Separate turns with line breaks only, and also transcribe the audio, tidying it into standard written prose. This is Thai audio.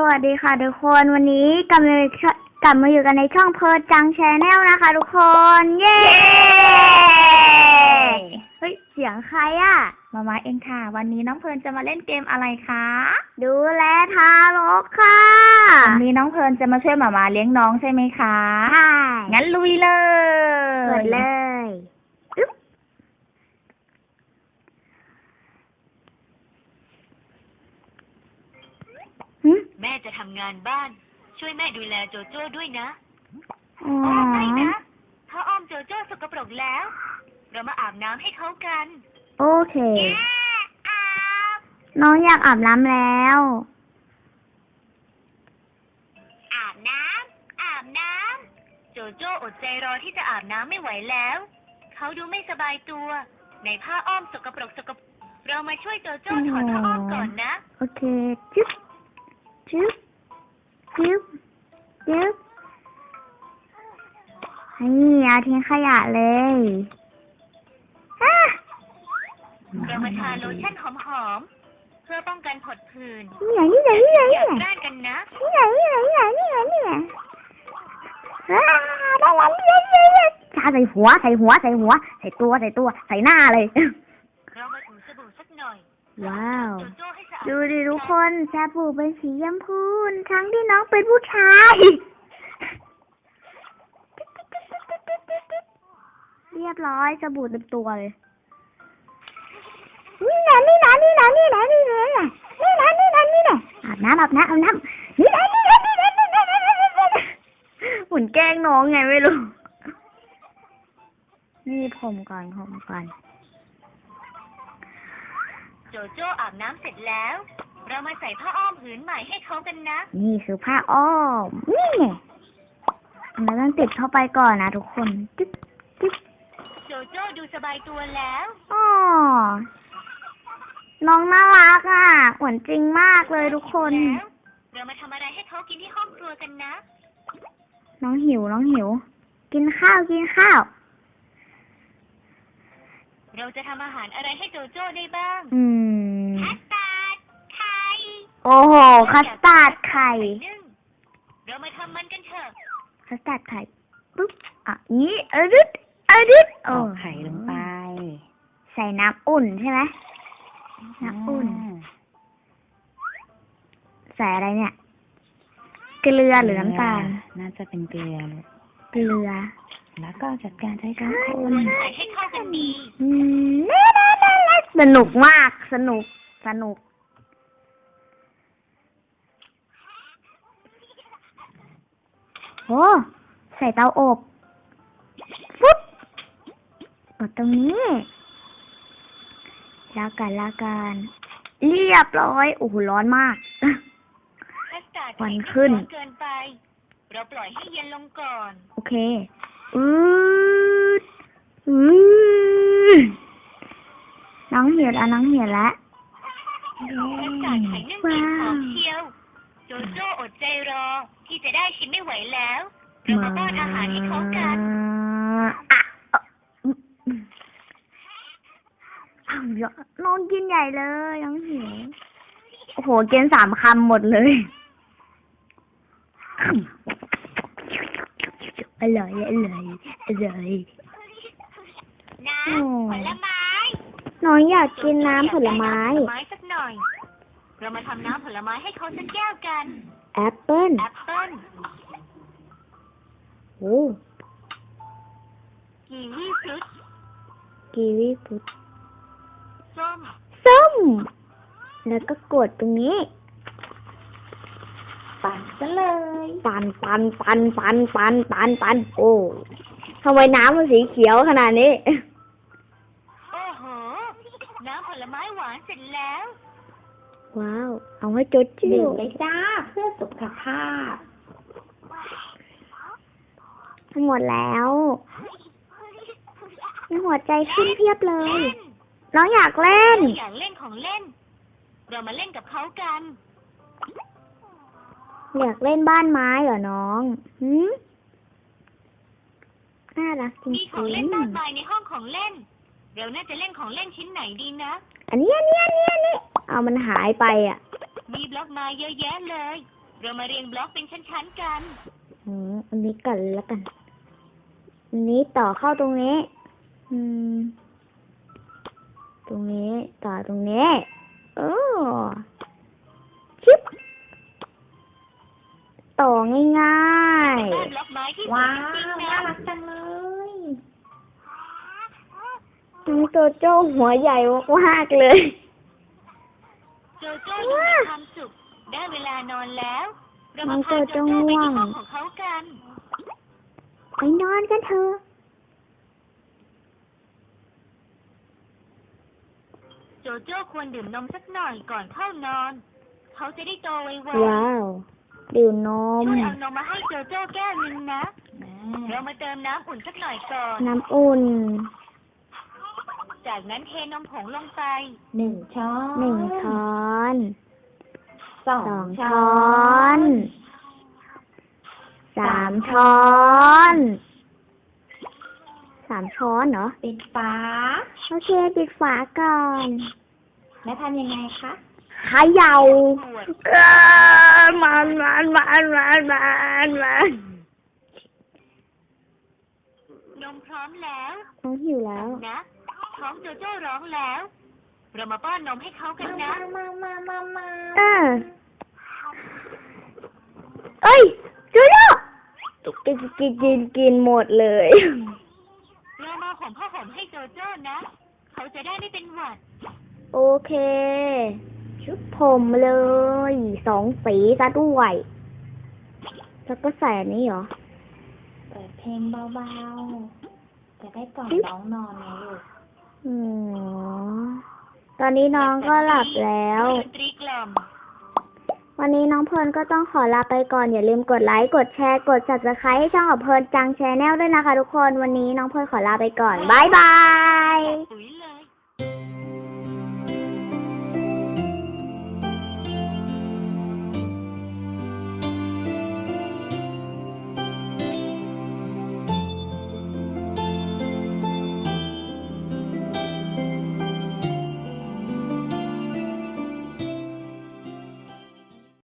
วัสดีค่ะทุกคนวันนี้กลับมาอยู่กันในช่องเพิร์จังแชนแนลนะคะทุกคนเย้เฮ้ยเสียงใครอะ
มาเองค่ะวันนี้น้องเพลิร์นจะมาเล่นเกมอะไรคะ
ดูแลทารกค่ะ
วันนี้น้องเพลิร์นจะมาช่วยมาเลี้ยงน้องใช่ไหมคะ
ใช่
งั้นลุยเลย
เปิดเลย
แม่จะทำงานบ้านช่วยแม่ดูแลโจโจ้ด้วยนะ
ไม่
นะถ้าอ้อมโจโจ้สกปรกแล้วเรามาอาบน้ำให้เขากัน
โอเคน้องอยากอาบน้ำแล้ว
อาบน้ำโจโจ้อดใจรอที่จะอาบน้ำไม่ไหวแล้วเขาดูไม่สบายตัวในผ้าอ้อมสกปรกเรามาช่วยโจโจ้ถอดผ้าอ้อมก่อนนะ
โอเคจิ๊บจึ๊บนี่เอาทิ้งขยะเลย
เรามาทาโลชั่นหอมๆเพื่อป้องกันผดผื่น
นี่ไง
อย่าแกล้งกันนะ
นี่ไงชาใส่หัวใส่ตัวใส่หน้าเลย
เรามาถูสบู่สักหน่อย
ว้าวดูดิทุกคนสบู่เป็นสีชมพูทั้งที่น้องเป็นผู้ชายเรียบร้อยสบู่เต็มตัวเลยนี่นะอาบน้ำนี่หุ่นแกล้งน้องไงไม่รู้นี่ผมก่อน
โจโจ้อาบน้ำเสร็จแล้วเรามาใส่ผ้าอ้อมผืนใหม่ให้เขากันนะ
นี่คือผ้าอ้อมนี่ไงเราต้องติดเข้าไปก่อนนะทุกคน
โจโจ้ดูสบายตัวแล้ว
อ๋อน้องน่ารักอ่ะเหมือนจริงมากเลยทุกคน
เรามาทำอะไรให้เขากินที่ห้องครัวกันนะ
น้องหิวกินข้าว
เราจะทำอาหารอะไรให้โจโจ้ได้บ้างคัสตาร์ดไข่
โอ้โหคัสตาร์ดไข่
เรามาทำมันกันเถอะ
คัสตาร์ดไข่ปุ๊บนี้ดึด
เอาไข่ลงไป
ใส่น้ำอุ่นใช่ไหมน้ำอุ่นใส่อะไรเนี่ยเกลือหรือน้ำตาล
น่าจะเป็นเกลือแล้วก็จัดการใช้ช้อนคน
ใส่ให้เข้ากันดี
สนุกมากสนุกโอ้ใส่เตาอบปุ๊บกดตรงนี้ลากันเรียบร้อยโอ้โหร้อนมาก
ควันขึ้นเกินไปเราปล่อยให้เย็นลงก่อน
โอเคน้องเหี่ยวแล้ว
ว้าวโจโจ้อดใจรอที่จะได้ชิมไม่ไหวแล้วเรามาป้อนอาหารให้เขากัน
น้องกินใหญ่เลยน้องหิวโอ้โหกิน3 คำหมดเลยอร่อย
น้ำผลไม้
น้องอยากกินน้ำผลไม้
สักหน่อยเรามาทำน้ำผลไม้ให้เขาสักแก้วกัน
แอปเปิ้ลโอ้
กีวีฟรุต
ส้มแล้วก็กดตรงนี้
ปั่นซะเลย
ปั่นโอ้ทำไมน้ำมันสีเขียวขนาดนี้
โอ้โหน้ำผลไม้หวานเสร็จแล้ว
ว้าวเอาไว้จดชื่อ
ดื่มเลยจ้าเพื่อสุขภาพ
หมดแล้วมีหัวใจขึ้นเพียบเลยน้องอยากเล่น
ของเล่นเรามาเล่นกับเขากัน
อยากเล่นบ้านไม้เหรอน้องน่ารักจริงๆ
มีของเล่นมากมายในห้องของเล่นเราน่าจะเล่นของเล่นชิ้นไหนดีนะ
อันนี้เอามันหายไปอ่ะ
มีบล็อกไม้เยอะแยะเลยเรามาเรียงบล็อกเป็นชั้นๆกัน
อันนี้ก่อนแล้วกัน อันนี้ต่อเข้าตรงนี้ ตรงนี้ต่อตรงนี้ชิบต่อง่าย
บ้านบล็อกไม้ที่สว
ว้าย
จริง
ว
ๆ
น่า
นะ
รักจังเลย
ๆน้องโจโจ้หัวใหญ่มากๆเลย
โจโจ้ดูมีความสุข ได้เวลานอนแล้ว เรามาพาโจโจ้ไปที่ห้องของเขากัน
ไปนอนกันเถอะ
โจโจ้ควรดื่มนมสักหน่อยก่อนเข้านอน เขาจะได้โตไว
ว้าว ดื่มน
ๆ
ม
ช่วยเอานมมาให้โจโจ้แก้วนึงนะ เรามาเติมน้ำอุ่นสักหน่อยก่อน
น้ำอุ่น
จากนั้นเทนมผงลงไป
1 ช้อน
1 ช้อน
2
2
ช้
ช้
อ
อน น 3 ช้อน 3 ช้อนเหรอ
ปิดฝา
โอเค ปิดฝาก่อน
แล้วทำยังไงคะ
เขย่า
ขวด
มัน
นมพร้อมแล้ว
น้องหิวแล้ว
นะท้องโจโจ้ร้องแล้ว เรามาป้อนนมให้เขากันนะ
เอ้ยจูโน่กินหมดเลย
เรามาห่มผ้าห่มให้โจโจ้นะ เขาจะได้ไม่เป็นหวัด
โอเค ชุดผมเลย2 สีซะด้วย แล้วก็ใส่อันนี้เหรอ
เปิดเพลงเบาๆ จะได้ก่อนน้องนอนไงลูก
อ๋อ ตอนนี้น้องก็หลับแล้ว
ดนตรีกล่อม
วันนี้น้องเพลิร์นก็ต้องขอลาไปก่อน อย่าลืมกดไลค์ กดแชร์ กด Subscribe ให้ช่องของเพลิร์นจังแชนแนลด้วยนะคะทุกคน วันนี้น้องเพลิร์นขอลาไปก่อน บ๊ายบาย
ปุ๋ยเลย